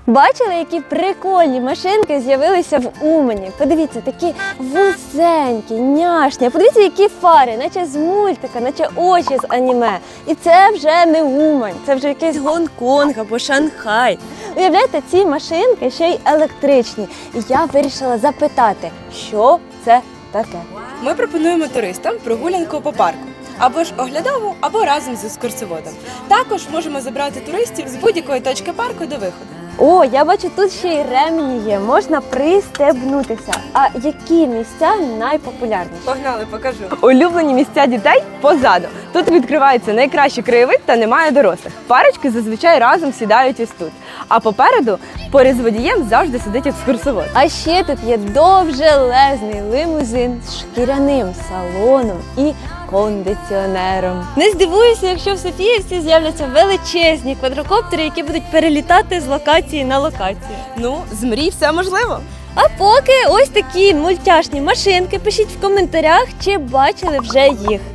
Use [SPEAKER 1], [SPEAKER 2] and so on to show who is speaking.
[SPEAKER 1] Бачили, які прикольні машинки з'явилися в Умані? Подивіться, такі вузенькі, няшні. Подивіться, які фари, наче з мультика, наче очі з аніме. І це вже не Умань, це вже якийсь Гонконг або Шанхай. Уявляєте, ці машинки ще й електричні. І я вирішила запитати, що це таке.
[SPEAKER 2] Ми пропонуємо туристам прогулянку по парку. Або ж оглядову, або разом з екскурсоводом. Також можемо забрати туристів з будь-якої точки парку до виходу.
[SPEAKER 1] О, я бачу, тут ще й ремені є, можна пристебнутися. А які місця найпопулярніші?
[SPEAKER 2] Погнали, покажу.
[SPEAKER 3] Улюблені місця дітей позаду. Тут відкривається найкращий краєвид та немає дорослих. Парочки зазвичай разом сідають ось тут. А попереду, поряд з водієм, завжди сидить екскурсовод.
[SPEAKER 1] А ще тут є довжелезний лимузин з шкіряним салоном і кондиціонером. Не здивуюся, якщо в Софіївці з'являться величезні квадрокоптери, які будуть перелітати з локації на локацію.
[SPEAKER 2] Ну, з мрій все можливо.
[SPEAKER 1] А поки ось такі мультяшні машинки. Пишіть в коментарях, чи бачили вже їх.